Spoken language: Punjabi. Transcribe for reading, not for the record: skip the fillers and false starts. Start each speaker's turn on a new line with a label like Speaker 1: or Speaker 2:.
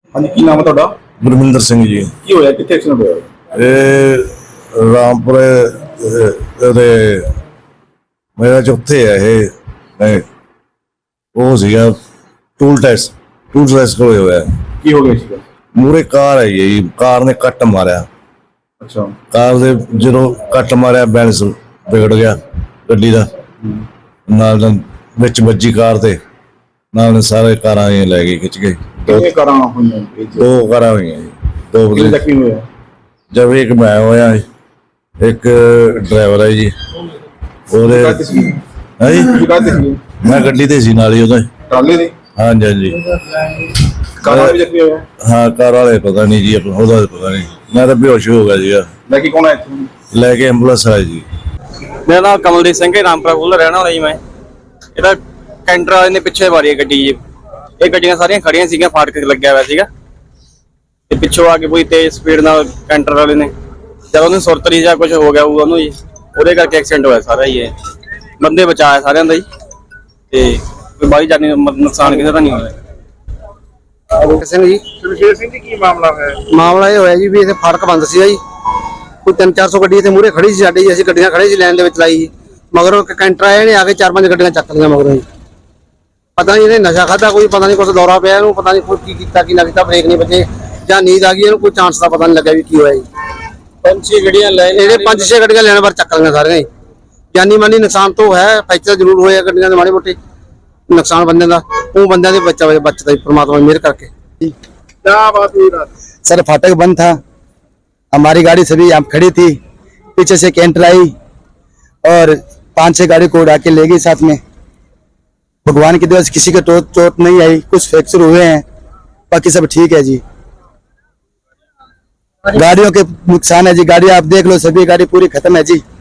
Speaker 1: ਹਾਂਜੀ, ਕੀ ਨਾਮ ਹੈ ਤੁਹਾਡਾ?
Speaker 2: ਗੁਰਮਿੰਦਰ ਸਿੰਘ ਜੀ।
Speaker 1: ਕੀ ਹੋਇਆ, ਕਿੱਥੇ ਐਕਸੀਡੈਂਟ ਹੋਇਆ?
Speaker 2: ਇਹ ਰਾਮਪੁਰੇ ਦੇ ਮੇਰਾ ਚੌਥੇ ਹੈ ਇਹ ਨਹੀਂ, ਉਹ ਸੀਗਾ ਟੂਲ ਟੈਸਟ ਕੋਲ ਹੋਇਆ।
Speaker 1: ਕੀ ਹੋ ਗਿਆ ਸੀਗਾ?
Speaker 2: ਮੂਹਰੇ ਕਾਰ ਆਈ ਜੀ, ਕਾਰ ਨੇ ਕੱਟ ਮਾਰਿਆ।
Speaker 1: ਅੱਛਾ।
Speaker 2: ਕਾਰ ਦੇ ਜਦੋਂ ਕੱਟ ਮਾਰਿਆ ਬੈਲੈਂਸ ਵਿਗੜ ਗਿਆ ਗੱਡੀ ਦਾ, ਨਾਲ ਵਿੱਚ ਵੱਜੀ ਕਾਰ ਤੇ, ਨਾਲ ਸਾਰੇ ਕਾਰਾਂ ਇਹ ਲੈ ਗਏ, ਖਿੱਚ ਗਏ।
Speaker 1: ਕਿੰਨੇ ਕਾਰਾਂ ਹੋਈਆਂ ਇਹ 'ਚ?
Speaker 2: ਦੋ ਕਾਰਾਂ ਹੋਈਆਂ ਜੀ, ਦੋ
Speaker 1: ਕਿੰਨੇ ਜ਼ਖਮੀ ਹੋਇਆ?
Speaker 2: ਜਦ ਇੱਕ ਮੈਂ ਹੋਇਆ, ਇੱਕ ਡਰਾਈਵਰ ਹੈ ਜੀ ਉਹਦੇ।
Speaker 1: ਕਾਹਤੇ ਸੀ?
Speaker 2: ਹੈ ਜੀ,
Speaker 1: ਤੁਸੀਂ ਕਾਹਤੇ ਸੀ?
Speaker 2: ਮੈਂ ਗੱਡੀ ਤੇ ਸੀ ਨਾਲ ਹੀ ਉਹਦੇ।
Speaker 1: ਟਰਾਲੇ ਦੇ?
Speaker 2: ਹਾਂਜੀ ਹਾਂਜੀ।
Speaker 1: ਕਾਰਾਂ ਵੀ ਜ਼ਖਮੀ ਹੋਇਆ?
Speaker 2: ਹਾਂ, ਕਾਰ ਵਾਲੇ ਪਤਾ ਨਹੀਂ ਜੀ, ਉਹਦਾ ਪਤਾ ਨਹੀਂ। ਮੈਂ ਤਾਂ ਬੇਹੋਸ਼ ਹੋ ਗਿਆ ਸੀਗਾ।
Speaker 1: ਲੈ ਕੇ ਕੌਣ ਆਇਆ ਇੱਥੇ?
Speaker 2: ਲੈ ਕੇ ਐਂਬੂਲੈਂਸ ਆਈ ਜੀ।
Speaker 3: ਮੇਰਾ ਨਾਮ ਕਮਲਦੀਪ ਸਿੰਘ ਹੈ, ਰਾਮਪੁਰਾ ਕੋਲ ਰਹਿਣਾ ਵਾਲਾ ਜੀ ਮੈਂ। ਇਹਦਾ ਕੈਂਟਰ ਵਾਲੇ ਨੇ ਪਿੱਛੇ ਮਾਰੀ ਹੈ ਗੱਡੀ ਜੀ। ਇਹ ਗੱਡੀਆਂ ਸਾਰੀਆਂ ਖੜੀਆਂ ਸੀਗੀਆਂ, ਫਾਟਕ ਲੱਗਿਆ ਹੋਇਆ ਸੀਗਾ ਤੇ ਪਿੱਛੋਂ ਆ ਕੇ ਕੋਈ ਤੇਜ਼ ਸਪੀਡ ਨਾਲ ਕੈਂਟਰ ਵਾਲੇ ਨੇ, ਜਦ ਉਹਨੂੰ ਸੁਰਤਰੀ ਜਾਂ ਕੁਝ ਹੋ ਗਿਆ ਉਹਨੂੰ ਜੀ, ਉਹਦੇ ਕਰਕੇ ਐਕਸੀਡੈਂਟ ਹੋਇਆ ਸਾਰਾ ਹੀ। ਇਹ ਬੰਦੇ ਬਚਾਇਆ ਸਾਰਿਆਂ ਦਾ ਜੀ, ਤੇ ਕੋਈ ਬਾਹਰੀ ਜਾਨੀ ਨੁਕਸਾਨ ਕਿਸੇ ਦਾ ਨਹੀਂ ਹੋਇਆ।
Speaker 4: ਸਿੰਘ ਜੀ।
Speaker 1: ਸ਼ਮਸ਼ੇਰ ਸਿੰਘ ਜੀ, ਕੀ ਮਾਮਲਾ ਹੈ?
Speaker 4: ਮਾਮਲਾ ਇਹ ਹੋਇਆ ਜੀ ਵੀ ਇੱਥੇ ਫਾਟਕ ਬੰਦ ਸੀਗਾ ਜੀ, ਕੋਈ 300-400 ਗੱਡੀ ਇੱਥੇ ਮੂਹਰੇ ਖੜੀ ਸੀ ਸਾਡੀ ਜੀ। ਅਸੀਂ ਗੱਡੀਆਂ ਖੜੇ ਸੀ ਲਾਈਨ ਦੇ ਵਿੱਚ ਲਾਈ ਜੀ, ਮਗਰੋਂ ਕੈਂਟਰ ਆਏ ਨੇ, ਆ ਕੇ 4-5 ਗੱਡੀਆਂ ਚੱਕ ਲਈਆਂ ਮਗਰੋਂ ਜੀ। ਪਤਾ ਨਹੀਂ ਇਹਨੇ ਨਸ਼ਾ ਖਾਧਾ, ਕੋਈ ਪਤਾ ਨਹੀਂ ਕੁਛ ਦੌਰਾ ਪਿਆ ਇਹਨੂੰ, ਪਤਾ ਨਹੀਂ ਕੋਈ ਕੀ ਕੀਤਾ ਕੀ ਨਾ ਕੀਤਾ, ਬ੍ਰੇਕ ਨਹੀਂ ਵੱਜੇ ਜਾਂ ਨੀਂਦ ਆ ਗਈ ਇਹਨੂੰ, ਕੋਈ ਚਾਂਸ ਦਾ ਪਤਾ ਨਹੀਂ ਲੱਗਿਆ ਵੀ ਕੀ ਹੋਇਆ ਜੀ।
Speaker 3: 5-6 ਗੱਡੀਆਂ ਲੈ
Speaker 4: ਇਹਦੇ 5-6 ਗੱਡੀਆਂ ਲੈਣ ਵਾਰ ਚੱਕ ਲਈਆਂ ਸਾਰੀਆਂ ਜੀ। ਜਾਨੀ ਮਾਨੀ ਨੁਕਸਾਨ ਤੋਂ ਹੈ, ਫ੍ਰੈਕਚਰ ਜ਼ਰੂਰ ਹੋਇਆ ਗੱਡੀਆਂ ਦੇ ਮਾੜੇ ਮੋਟੇ ਨੁਕਸਾਨ ਬੰਦਿਆਂ ਦਾ, ਉਹ ਬੰਦਿਆਂ ਦੇ ਬਚਦਾ ਜੀ परमात्मा मेहर करके।
Speaker 1: क्या बात हुई रात?
Speaker 4: सर फाटक बंद था, हमारी गाड़ी सभी यहाँ खड़ी थी, पीछे से कैंटर आई और 5-6 गाड़ी को उड़ा के ले गई साथ में। भगवान की दया से किसी को चोट नहीं आई, कुछ फ्रैक्चर हुए हैं, बाकी सब ठीक है जी। गाड़ियों के नुकसान है जी, गाड़ी आप देख लो, सभी गाड़ी पूरी खत्म है जी।